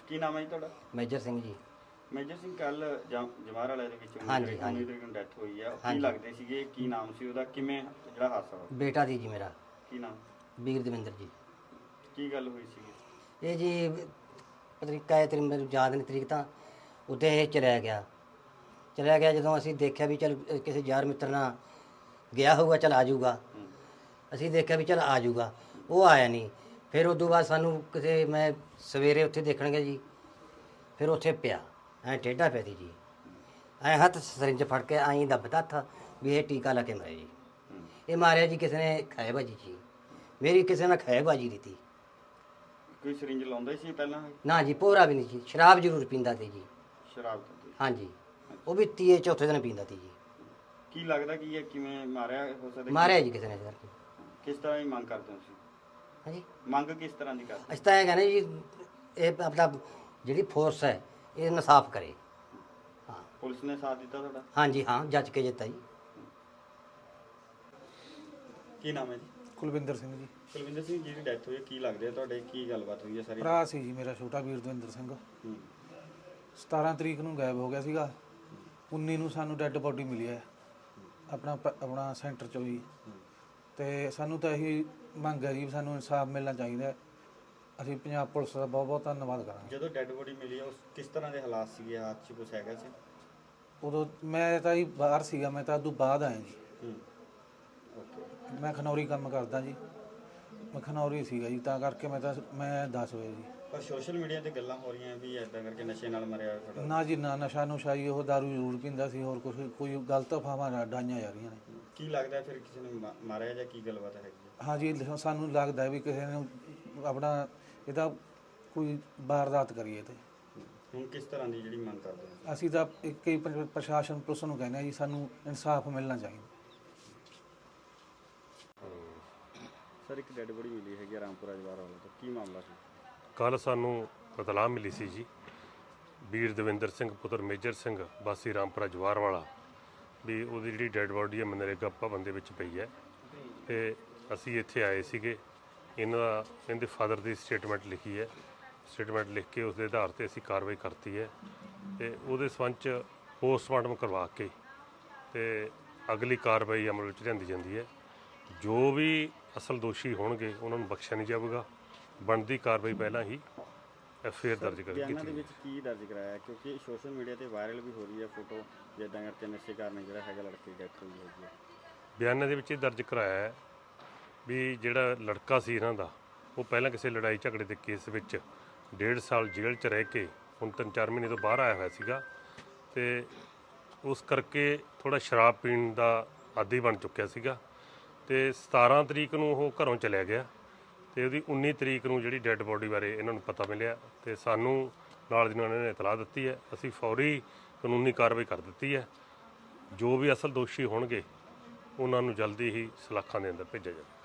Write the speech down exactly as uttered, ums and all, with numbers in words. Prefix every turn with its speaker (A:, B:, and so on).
A: ਕੀ ਨਾਮ ਹੈ ਜੀ ਤੁਹਾਡਾ?
B: ਮੇਜਰ ਸਿੰਘ ਜੀ।
A: ਮੇਜਰ ਸਿੰਘ, ਕੱਲ ਜਵਾਹਰ ਵਾਲੇ ਦੇ ਵਿੱਚ
B: ਹਾਂਜੀ ਹਾਂਜੀ
A: ਤਰੀਕ ਨੂੰ ਡੈਥ ਹੋਈ ਆ, ਕੀ
B: ਹਾਂਜੀ।
A: ਲੱਗਦੇ ਸੀਗੇ, ਕੀ ਨਾਮ ਸੀ ਉਹਦਾ, ਕਿਵੇਂ ਜਿਹੜਾ ਹਾਦਸਾ ਹੋਇਆ?
B: ਬੇਟਾ ਦੀ ਜੀ ਮੇਰਾ।
A: ਕੀ ਨਾਮ?
B: ਵੀਰ ਦਵਿੰਦਰ ਜੀ।
A: ਕੀ ਗੱਲ ਹੋਈ ਸੀਗੀ?
B: ਇਹ ਜੀ ਤਰੀਕਾ ਹੈ, ਤੇਰੀ ਮੈਨੂੰ ਯਾਦ ਨਹੀਂ ਤਰੀਕ ਤਾਂ। ਉੱਤੇ ਇਹ ਚਲਿਆ ਗਿਆ ਚਲਿਆ ਗਿਆ ਜਦੋਂ ਅਸੀਂ ਦੇਖਿਆ ਵੀ ਚੱਲ ਕਿਸੇ ਯਾਰ ਮਿੱਤਰ ਨਾਲ ਗਿਆ ਹੋਊਗਾ, ਚੱਲ ਆ ਜਾਊਗਾ। ਅਸੀਂ ਦੇਖਿਆ ਵੀ ਚੱਲ ਆ ਜਾਊਗਾ, ਉਹ ਆਇਆ ਨਹੀਂ। ਫਿਰ ਉਦੋਂ ਬਾਅਦ ਸਾਨੂੰ ਕਿਸੇ ਮੈਂ ਸਵੇਰੇ ਉੱਥੇ ਦੇਖਣ ਗਿਆ ਜੀ, ਫਿਰ ਉੱਥੇ ਪਿਆ ਐਂ ਟੇਢਾ ਪਿਆ ਸੀ ਜੀ, ਐਂ ਹੱਥ ਸਰਿੰਜ ਫੜ ਕੇ ਐਂ ਦੱਬਦਾ ਹੱਥ ਵੀ ਇਹ ਟੀਕਾ ਲਾ ਕੇ ਮਰੇ ਜੀ। ਇਹ ਮਾਰਿਆ ਜੀ ਕਿਸੇ ਨੇ ਖੈਬਾਜੀ ਜੀ, ਮੇਰੀ ਕਿਸੇ ਨੇ ਖੈਬਾਜੀ ਦਿੱਤੀ।
A: ਕੋਈ ਸਰਿੰਜ ਲਾਉਂਦਾ ਹੀ ਸੀ ਪਹਿਲਾਂ?
B: ਨਾ ਜੀ, ਭੋਰਾ ਵੀ ਨਹੀਂ ਜੀ। ਸ਼ਰਾਬ ਜ਼ਰੂਰ ਪੀਂਦਾ ਸੀ ਜੀ।
A: ਸ਼ਰਾਬ ਪੀਂਦਾ?
B: ਹਾਂਜੀ, ਉਹ ਵੀ ਤੀਏ ਚੌਥੇ ਦਿਨ ਪੀਂਦਾ ਸੀ ਜੀ।
A: ਕੀ ਲੱਗਦਾ ਕੀ ਹੈ, ਕਿਵੇਂ ਮਾਰਿਆ ਹੋ ਸਕਦਾ?
B: ਮਾਰਿਆ ਜੀ ਕਿਸੇ ਨੇ ਸਰ।
A: ਕਿਸ ਤਰ੍ਹਾਂ ਦੀ ਮੰਗ ਕਰਦੇ ਹੋ ਤੁਸੀਂ?
B: ਹਾਂਜੀ,
A: ਮੰਗ ਕਿਸ ਤਰ੍ਹਾਂ ਦੀ ਕਰਦੇ?
B: ਅਸੀਂ ਤਾਂ ਇਹ ਕਹਿੰਦੇ ਜੀ, ਇਹ ਆਪਣਾ ਜਿਹੜੀ ਫੋਰਸ ਹੈ ਇਹ ਇਨਸਾਫ ਕਰੇ। ਹਾਂ,
A: ਪੁਲਿਸ ਨੇ ਸਾਥ ਦਿੱਤਾ ਤੁਹਾਡਾ?
B: ਹਾਂਜੀ ਹਾਂ, ਜੱਜ ਕੇ ਜਿੱਤਾ ਜੀ।
A: ਕੀ ਨਾਮ ਹੈ ਜੀ?
C: ਕੁਲਵਿੰਦਰ ਸਿੰਘ ਜੀ।
A: ਕੁਲਵਿੰਦਰ ਸਿੰਘ, ਜਿਹੜੀ ਡੈਥ ਹੋਈ ਹੈ ਕੀ ਲੱਗਦੇ ਆ ਤੁਹਾਡੇ, ਕੀ ਗੱਲਬਾਤ ਹੋਈ ਹੈ ਸਾਰੀ?
C: ਭਰਾ ਸੀ ਜੀ ਮੇਰਾ ਛੋਟਾ ਵੀਰ ਦਵਿੰਦਰ ਸਿੰਘ।
A: ਹੂੰ।
C: ਸਤਾਰਾਂ ਤਰੀਕ ਨੂੰ ਗਾਇਬ ਹੋ ਗਿਆ ਸੀਗਾ। ਉੱਨੀ ਨੂੰ ਸਾਨੂੰ ਡੈੱਡ ਬੋਡੀ ਮਿਲੀ ਹੈ ਆਪਣਾ ਪ- ਆਪਣਾ ਸੈਂਟਰ ਚੋਂ ਜੀ। ਤੇ ਸਾਨੂੰ ਤਾਂ ਇਹੀ ਮੰਗ ਹੈ ਜੀ, ਸਾਨੂੰ ਇਨਸਾਫ ਮਿਲਣਾ ਚਾਹੀਦਾ ਹੈ। ਅਸੀਂ ਪੰਜਾਬ ਪੁਲਿਸ ਦਾ ਬਹੁਤ ਬਹੁਤ ਧੰਨਵਾਦ ਕਰਾਂਗੇ।
A: ਜਦੋਂ ਡੈੱਡ ਬੋਡੀ ਮਿਲੀ ਉਸ ਕਿਸ ਤਰ੍ਹਾਂ ਦੇ ਹਾਲਾਤ ਸੀਗੇ, ਹੱਥ 'ਚ ਕੁਛ ਹੈਗਾ ਸੀ?
C: ਉਦੋਂ ਮੈਂ ਤਾਂ ਜੀ ਬਾਹਰ ਸੀਗਾ, ਮੈਂ ਤਾਂ ਉਦੋਂ ਬਾਅਦ ਆਇਆ ਜੀ।
A: ਹੂੰ। ਓਕੇ।
C: ਮੈਂ ਖਨੌਰੀ ਕੰਮ ਕਰਦਾ ਜੀ, ਮੈਂ ਖਨੌਰੀ ਸੀਗਾ ਜੀ, ਤਾਂ ਕਰਕੇ ਮੈਂ ਤਾਂ ਮੈਂ ਦੱਸ ਵਜੇ ਜੀ।
A: ਪਰ ਸੋਸ਼ਲ ਮੀਡੀਆ ਤੇ ਗੱਲਾਂ ਹੋ ਰਹੀਆਂ ਵੀ ਐਦਾਂ ਕਰਕੇ ਨਸ਼ੇ ਨਾਲ ਮਰਿਆ ਤੁਹਾਡਾ।
C: ਨਾ ਜੀ ਨਾ, ਨਸ਼ਾ ਨੁਸ਼ਾ ਜੀ, ਉਹ ਦਾਰੂ ਜ਼ਰੂਰ ਪੀਂਦਾ ਸੀ, ਹੋਰ ਕੁਛ ਕੋਈ ਗਲਤ ਅਫਵਾਹਾਂ ਡਾਈਆਂ ਜਾ ਰਹੀਆਂ ਨੇ।
A: ਕੀ ਲੱਗਦਾ ਫਿਰ ਕਿਸੇ ਨੇ ਮਾ- ਮਾਰਿਆ ਜਾਂ ਕੀ ਗੱਲਬਾਤ ਹੈਗੀ ਹੈ?
C: ਹਾਂ ਜੀ, ਸਾਨੂੰ ਲੱਗਦਾ ਵੀ ਕਿਸੇ ਨੇ ਆਪਣਾ ਇਹਦਾ ਕੋਈ ਵਾਰਦਾਤ ਕਰੀਏ। ਤੇ
A: ਹੁਣ ਕਿਸ ਤਰ੍ਹਾਂ ਦੀ ਜਿਹੜੀ ਮੰਗ ਕਰਦੇ ਹੋ?
C: ਅਸੀਂ ਤਾਂ ਇੱਕ ਹੀ ਪ੍ਰ- ਪ੍ਰਸ਼ਾਸਨ ਪੁਲਿਸ ਨੂੰ ਕਹਿੰਦੇ ਹਾਂ ਜੀ, ਸਾਨੂੰ ਇਨਸਾਫ ਮਿਲਣਾ ਚਾਹੀਦਾ।
A: ਸਰ, ਇੱਕ ਡੈੱਡ ਬੋਡੀ ਮਿਲੀ ਹੈਗੀ ਰਾਮਪੁਰਾ ਜਵਾਹਰ ਵਾਲਾ ਤੋਂ, ਕੀ ਮਾਮਲਾ ਸੀ?
D: ਕੱਲ੍ਹ ਸਾਨੂੰ ਇਤਲਾਹ ਮਿਲੀ ਸੀ ਜੀ, ਵੀਰ ਦਵਿੰਦਰ ਸਿੰਘ ਪੁੱਤਰ ਮੇਜਰ ਸਿੰਘ ਵਾਸੀ ਰਾਮਪੁਰਾ ਜਵਾਹਰ ਵਾਲਾ, ਵੀ ਉਹਦੀ ਜਿਹੜੀ ਡੈੱਡ ਬੋਡੀ ਹੈ ਮਨਰੇਗਾ ਭਵਨ ਦੇ ਵਿੱਚ ਪਈ ਹੈ। ਤੇ ਅਸੀਂ ਇੱਥੇ ਆਏ ਸੀਗੇ, ਇਹਨਾਂ ਦਾ ਇਹਦੇ ਫਾਦਰ ਦੀ ਸਟੇਟਮੈਂਟ ਲਿਖੀ ਹੈ। ਸਟੇਟਮੈਂਟ ਲਿਖ ਕੇ ਉਸ ਦੇ ਆਧਾਰ 'ਤੇ ਅਸੀਂ ਕਾਰਵਾਈ ਕਰਤੀ ਹੈ ਤੇ ਉਹਦੇ ਸੰਬੰਧ 'ਚ ਪੋਸਟਮਾਰਟਮ ਕਰਵਾ ਕੇ ਤੇ ਅਗਲੀ ਕਾਰਵਾਈ ਅਮਲ ਵਿੱਚ ਲਿਆਂਦੀ ਜਾਂਦੀ ਹੈ। ਜੋ ਵੀ ਅਸਲ ਦੋਸ਼ੀ ਹੋਣਗੇ ਉਹਨਾਂ ਨੂੰ ਬਖਸ਼ਿਆ ਨਹੀਂ ਜਾਵੇਗਾ। ਬਣਦੀ ਕਾਰਵਾਈ ਪਹਿਲਾਂ ਹੀ ਐਫ ਆਈ ਆਰ ਦਰਜ ਕਰ
A: ਬਿਆਨਾਂ ਦੇ
D: ਕੀਤੀ।
A: ਵਿੱਚ ਕੀ ਦਰਜ ਕਰਾਇਆ? ਕਿਉਂਕਿ ਸੋਸ਼ਲ ਮੀਡੀਆ ਤੇ ਵਾਇਰਲ ਵੀ ਹੋ ਰਹੀ ਹੈ ਫੋਟੋ, ਜਿੱਦਾਂ ਕਰਕੇ ਨਸ਼ੇ ਕਾਰਨ ਜਿਹੜਾ ਹੈਗਾ ਲੜਕੇ ਦੀ ਡੈਥ ਹੋਈ ਹੈਗੀ ਹੈ।
D: ਬਿਆਨਾਂ ਦੇ ਵਿੱਚ ਇਹ ਦਰਜ ਕਰਾਇਆ ਹੈ ਵੀ ਜਿਹੜਾ ਲੜਕਾ ਸੀ ਇਹਨਾਂ ਦਾ, ਉਹ ਪਹਿਲਾਂ ਕਿਸੇ ਲੜਾਈ ਝਗੜੇ ਦੇ ਕੇਸ ਵਿੱਚ ਡੇਢ ਸਾਲ ਜੇਲ੍ਹ 'ਚ ਰਹਿ ਕੇ ਹੁਣ ਤਿੰਨ ਚਾਰ ਮਹੀਨੇ ਤੋਂ ਬਾਹਰ ਆਇਆ ਹੋਇਆ ਸੀਗਾ ਤੇ ਉਸ ਕਰਕੇ ਥੋੜ੍ਹਾ ਸ਼ਰਾਬ ਪੀਣ ਦਾ ਆਦੀ ਬਣ ਚੁੱਕਿਆ ਸੀਗਾ। ਤੇ ਸਤਾਰਾਂ ਤਰੀਕ ਨੂੰ ਉਹ ਘਰੋਂ ਚਲਿਆ ਗਿਆ ਤੇ ਉਹਦੀ ਉੱਨੀ ਤਰੀਕ ਨੂੰ ਜਿਹੜੀ ਡੈੱਡ ਬੋਡੀ ਬਾਰੇ ਇਹਨਾਂ ਨੂੰ ਪਤਾ ਮਿਲਿਆ ਤੇ ਸਾਨੂੰ ਨਾਲ ਦੀ ਨਾਲ ਇਹਨਾਂ ਨੇ ਇਤਲਾਹ ਦਿੱਤੀ ਹੈ। ਅਸੀਂ ਫੌਰੀ ਕਾਨੂੰਨੀ ਕਾਰਵਾਈ ਕਰ ਦਿੱਤੀ ਹੈ। ਜੋ ਵੀ ਅਸਲ ਦੋਸ਼ੀ ਹੋਣਗੇ ਉਹਨਾਂ ਨੂੰ ਜਲਦੀ ਹੀ ਸਲਾਖਾਂ ਦੇ ਅੰਦਰ ਭੇਜਿਆ ਜਾਵੇ।